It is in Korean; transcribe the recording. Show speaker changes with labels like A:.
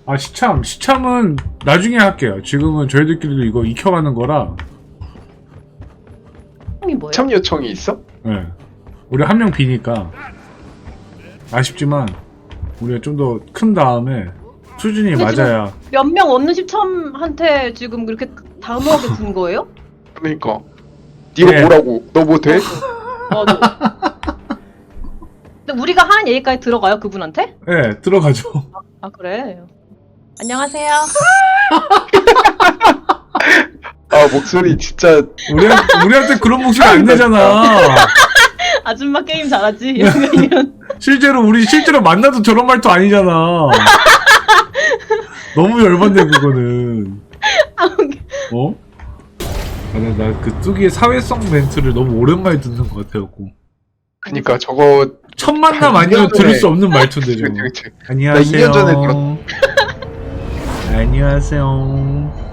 A: 아, 시참은 나중에 할게요. 지금은 저희들끼리도 이거 익혀가는 거라.
B: 이 뭐예요?
C: 참 요청이 있어?
A: 네. 우리 한 명 비니까. 아쉽지만, 우리가 좀 더 큰 다음에 수준이
B: 근데
A: 맞아야.
B: 몇 명 없는 시참한테 지금 그렇게 단호하게 준 거예요?
C: 그러니까 네가
A: 네.
C: 뭐라고? 너 뭐 돼?
B: 맞아. 근데 우리가 하는 얘기까지 들어가요 그분한테?
A: 네, 들어가죠.
B: 아 그래. 안녕하세요.
C: 아 목소리 진짜
A: 우리한테 그런 목소리 안 내잖아.
B: 아줌마 게임 잘하지. 이런.
A: 실제로 만나도 저런 말도 아니잖아. 너무 열받네 그거는. 어? 나 그 뚜기의 사회성 멘트를 너무 오랜만에 듣는 것 같아갖고.
C: 그니까 저거
A: 첫 만남
C: 한
A: 아니면
C: 2년
A: 들을
C: 전에-
A: 수 없는 말투인데 저거.
C: 그치.
A: 안녕하세요.
C: 나 2년 전에
A: 안녕하세요.